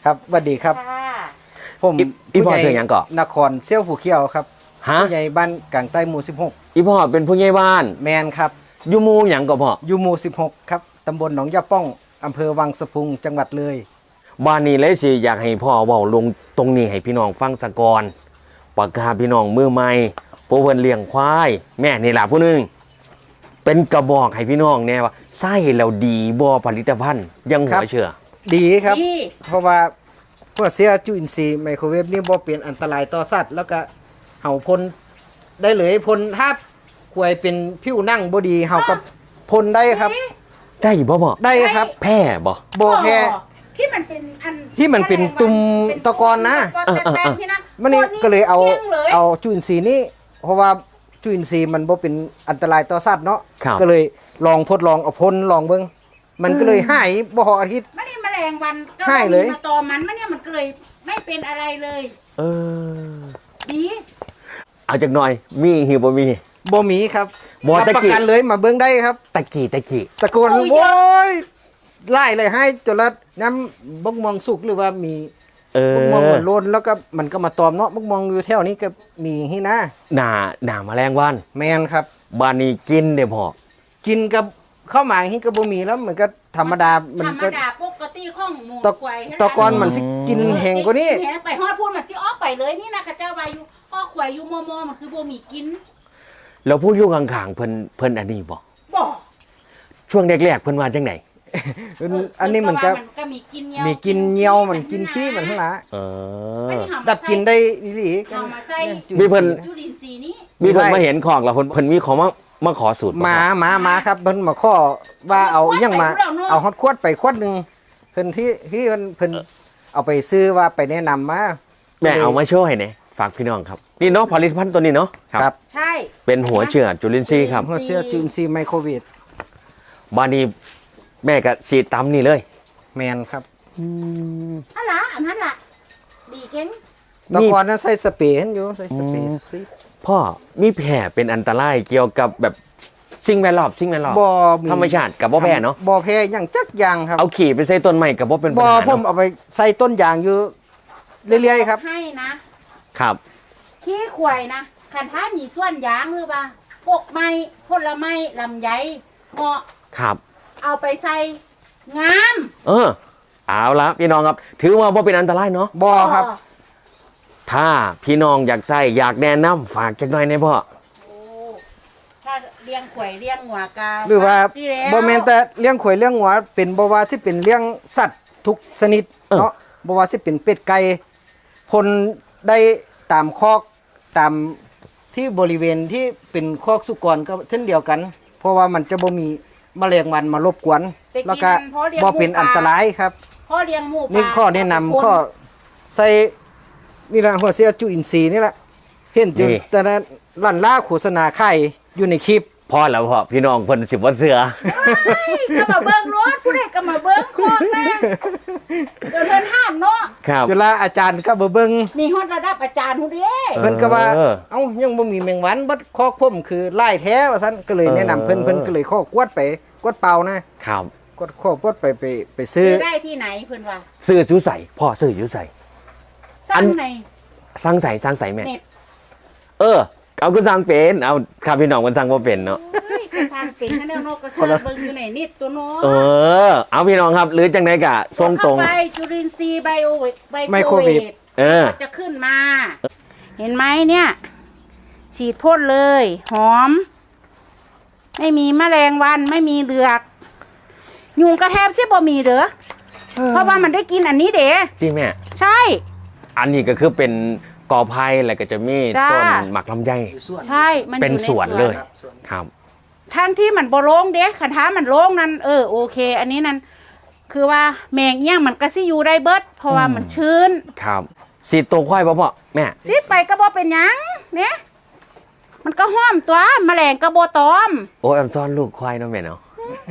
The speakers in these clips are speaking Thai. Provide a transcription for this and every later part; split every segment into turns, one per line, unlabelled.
ครับสวัสดีครับผม
อีพ่อเสียงยังก่อน
นครเซี่ยวผู้เขียวครับผู้ใหญ่บ้านกลางใต้หมู่16
อีพ่อเป็นผู้ใหญ่บ้าน
แมนครับ
อยู่หมู่หยังก่อพ่อ
อยู่หมู่16ครับตำบลหนองยาป้องอำเภอวังสะพุงจังหวัดเลย
บ้านนี้เลยสิอยากให้พ่อเว้าลงตรงนี้ให้พี่น้องฟังสะก่อนปากกาพี่น้องมือใหม่ผู้เพิ่นเลี้ยงควายแม่นี่ล่ะผู้นึงเป็นกระบอกให้พี่น้องแน่ว่าไส้แล้วดีบ่ผลิตภัณฑ์ยังหัวเชื่อ
ดีครับเพราะว่าพวกเสียจุลินทรีย์ไมโครเวฟนี่บ่เป็นอันตรายต่อสัตว์แล้วก็เห่าพ่นได้เลยพ่นถ้าควยเป็นผิวหนังบ่ดีเห่ากับพ่นได้ครับ
ได้บ่พ่อ
ได้ครับ
แพ้
บ่แพ้
ที่มันเป็นอัน
ที่มันเป็นตุ่มตะกอนนะมันนี่ก็เลยเอาจุลินทรีย์นี้เพราะว่าจุลินทรีย์มันบ่เป็นอันตรายต่อสัตว์เนาะก็เลยลองทดลองเอาพ่นลองเบิ่งมันก็เลยหายบ่ฮอดอาทิตย์
ไม่ได้แมลงวันก็
หายเลย
มาตอมันเนี่ยมันก็เลยไม่เป็นอะไรเลยดี
เอาจักหน่อยมีหิวบ่มี
ครับ
บ่ตะกี้
ประกันเลยมาเบิ่งได้ครับ
ตะกี้
ตะโกนโว้ยไล่เลยให้จนละน้ำบกมองสุกหรือว่ามีบกมองโลนแล้วก็มันก็มาตอมเนาะบกมองอยู่แถวนี้ก็มีที่นะ
หน้าแมลงวัน
แมนครับ
บ้านนี้กินเด้อพ่อ
กินกับข้าวหมากที่ก็บ่มีแล้วมันก็ธรรมดามันก็
ปกติของหมูควาย
ตะกอนมันสิกินแห้งกว่านี้
ไปฮอดพูดมันสิออกไปเลยนี่นะข้าเจ้าว่าอยู่ข้อควายอยู่มอมันคือบ่มีกิน
แล้วผู้อยู่ข้างๆเพิ่นอันนี้บ่ช่วงแรกๆเพิ่นว่าจังได๋
อันนี้มันก็
มีกิน
เหี่ยวมันกินขี้มันทั้งหลายดับกินได้ดีๆ
กัน
มีเพิ่น
จุลินทรีย์นี้
มีเพิ่นมาเห็นของแล้วเพิ่นมีของมาขอสูตร
มาครับเพิ่นมาขอว่าเอายังมาเอาฮอตขวดไปขวดนึงเพิ่นที่เพิ่นเอาไปซื้อว่าไปแนะนำมา
แม่เอามาโชว์ให้แหน่ฝากพี่น้องครับนี่เนาะผลิตภัณฑ์ตัวนี้เนาะ
ครับ
ใช่
เป็นหัวเชื้อจุลินทรีย์ครับ
หัวเชื้อจุลินทรีย์ไมโครเวฟ
บ้านนี้แม่ก็ฉีดตำนี่เลย
แมนครับ
อันนั้นล่ะดีเก่ง
ตะกอนนั้นใส่สเปรย์อยู่ใส่สเปรย์
พ่อมีแผลเป็นอันตรายเกี่ยวกับแบบสิ่งแวดล้อมธรรมชาติกับบ่แพ้เนาะ
บ่แพ้อย่างจักอย่างครับ
เอาขี่ไปใส่ต้นไม้กับบ่เป็นปัญหา
ผมเอาไปใส่ต้นยางอยู่เรื่อยๆครับ
ให้นะครับขี้ควายนะคันถ้ามีส่วนยางหรือเปล่าพวกไม้ผลไม้ลำไยเหาะ
ครับ
เอาไปใส่งาม
เอาละพี่น้องครับถือว่าบ่เป็นอันตรายเนาะ
บ่ครับ
ถ้าพี่น้องอยากใส่อยากแนะนำฝากจักหน่อยในพ่อ
ถ้าเลี้ยงข่อยเลี้ยงหัวกา
หรือว่าบ่แม่นแต่เลี้ยงข่อยเลี้ยงหัวเป็นบ่ว่าสิเป็นเลี้ยงสัตว์ทุกชนิดเนาะบ่ว่าสิเป็นเป็ดไก่พลได้ตามคอกตามที่บริเวณที่เป็นคอกสุกรก็เช่นเดียวกันเพราะว่ามันจะบ่มีแมลงวันมารบกวนแล้วก็บ่เป็นอันตรายครับ
พ่อเลี้ยงหมู
นี่ข้อแนะนำข้อใส่นี่ละหัวเสียจุลินทรีย์นี่แหละเห็นจุแต่ละลั่นล่าโฆษณาไข่อยู่ในคลิป
พอแล้วพ่อพี่น้องเพิ่นสิบ่เสือ
ก็มาเบิ่งรถผู้ใดก็มาเบิ่งคอกนะเดี๋ยวเพิ่นห้ามเนาะ
ครับ
เวลาอาจารย์ก็มาเบิ่ง
นี่ฮอดระดับอาจารย์ฮู้เด้
เพิ่นก็ว่าเอ้ายังบ่มีแมงวันบัดคอกผมคือลายแท้ว่าซั่นก็เลยแนะนำเพิ่นก็เลยข้อกวดไปกวดเปล่านะครับกวดไปซื้อ
ได้ที่ไหนเพิ่นว่า
ซื้ออยู่ใส่พ่อซื้ออยู่ใส่
สั่งไหน
สั่งใส่แม่เอาก็สั่งเป็นเอาครับพี่น้องมันสั่งบ่เป็นเนาะ
สั่งเป็นแนวโนก็เสิร์ชเบิ่งอยู่ไหนนิดตัวเนา
ะเอาพี่น้องครับหรือจังได๋ก็ส่งตรง
ไปจุลินทรีย์ไมโครเวฟจะขึ้นมาเห็นไหมเนี่ยฉีดพ่นเลยหอมไม่มีแมลงวันไม่มีเหลือกยุงกระแทบสิบ่มีเด้อเพราะว่ามันได้กินอันนี้เด้
พี่แม่
ใช่
อันนี้ก็คือเป็นกอไผ่แล้วก็จะมีต้นหมักลำไย
ใช่
มันเป็นสวนเลยครับ
ทั้งที่มันบ่โล่งเด้คันท้ามันโล่งนั่นโอเคอันนี้นั่นคือว่าแมงเงี้ยมันก็สิอยู่ได้เบิดเพราะว่ามันชื้น
ครับสีตัวควายบ่พ่อแม่
สิไปก็บ่เป็นหยังเนี่ยมันก็ห้อมตัวแมลงก็บ่ตอม
โอ้ยอันซ่อนลูกควายเนาะแม่เนาะ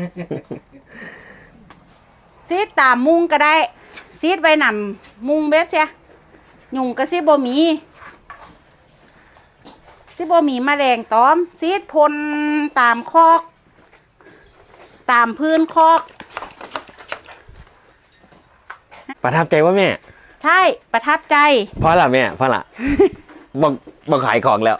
ซีดตามมุงก็ได้ซีดไว้นำมุงเบ็ดเสียยุงก็สิบ่มีแมลงตอมซีดพ่นตามคอกตามพื้นคอก
ประทับใจว่าแม่
ใช่ประทับใจ
เพราะล่ะแม่เพราะล่ะ บ่ขายของแล้ว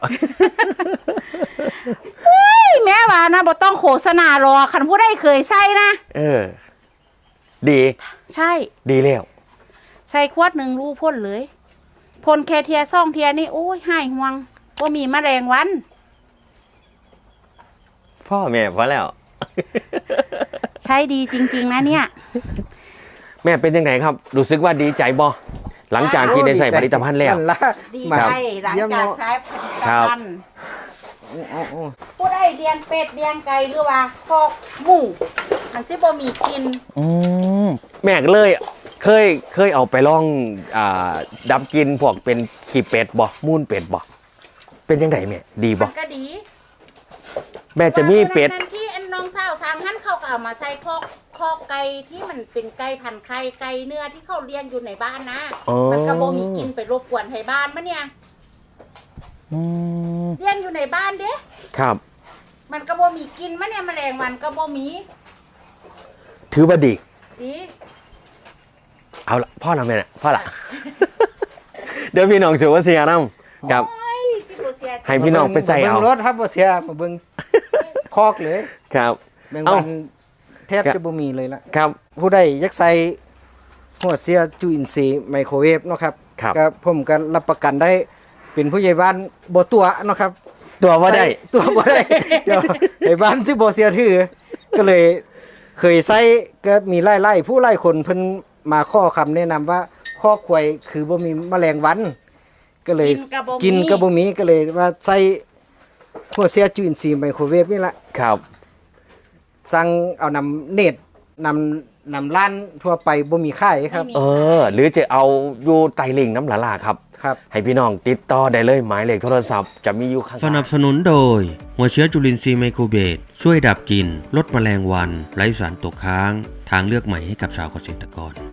แม่ว่านะบ่ต้องโฆษณาหรอกคันผู้ใดเคยใส่นะ
ดี
ใช่
ดีแล้ว
ใส่ขวดหนึ่งรูพ่นเลยพ่นแค่เทียซ่องเทียนี่โอ้ยหายห่วงว่ามีแมลงวัน
พ่อแม่เพราะแล้ว
ใช้ดีจริงๆนะเนี่ย
แม่เป็นยังไงครับ รู้สึกว่าดีใจบ่หลังจากที่ได้ใส่ผลิตภัณฑ์แล้ว
นั่นละ
ดี
มา
ใจหลังจากใช้ผลิตภัณฑ์
โอ้
ผู้ใดเลี้ยงเป็ดเลี้ยงไก่หรือว่าคอกหมูมันสิบ่มีกิน
แม่ก็เลยเคยเอาไปลองดับกินพวกเป็นขี้เป็ดบ่มูนเป็ดบ่เป็นยังไงแม่ดีบ่
มันก็ดี
แม่จะมีเป็ด
ว่าตัวนั้นที่อันน้องสาวสร้างหันเขาก็เอามาใส่คอกไก่ที่มันเป็นไก่พันธุ์ไข่ไก่เนื้อที่เขาเลี้ยงอยู่ในบ้านนะ
อ๋อ
มันก็บ่มีกินไปรบกวนให้บ้านมะเนี่ยเลี้ยงอยู่ในบ้านเด้
ครับ
มันก็บ่มีกินมะเนี่ยแมลงวันก็บ่มี
ถือว่าดี
ดี
เอาละพ่อเราแม่น่ะพ่อละ เดี๋ยวพี่น้องถือว่าเสียน้ำกับ
โอ้ยที่บ่เสีย
ให้พี่น้องไปใส่เอา
บิ่งรถครับบ่เสียมาเบิ่งคอกเลย
ครับ
แมง
เอ้า
วันแทบจะบ่มีเลยละ
ครับ
ผู้ใดอยากใส่หัวเสียจุลินทรีย์ไมโครเวฟเนาะครับ
ครับ
ก็ผมก็รับประกันได้เป็นผู้ใหญ่บ้านบ่ตัวเนาะครับ
ตัวว่าได้
ใส่ตัวบ่ได้ เดี๋ยวไอ้บ้านที่บ่เสียถือ ก็เลยเคยใส่ก็มีไล่ผู้ไล่คนเพิ่นมาข้อคำแนะนำว่าข้อควายคือบ่มีแมลงวัน ก็เลยกินก็บ่มีก็เลยว่าใส่หัวเสียจุลินทรีย์ไมโครเวฟนี่ละ
ครับ
สั่งเอานำเน็ตนำร้านทั่วไปบ่มีขายครับ
หรือจะเอาอยู่ไตลิงน้ำหลาลาครับ
ครับ
ให้พี่น้องติดต่อได้เลยหมายเลขโทรศัพท์จะมีอยู่ข้าง
สนับสนุนโดย หัวเชื้อจุลินทรีย์ไมโครเบสช่วยดับกลิ่นลดแมลงวัน ไร้สารตกค้าง ทางเลือกใหม่ให้กับชาวเกษตรกร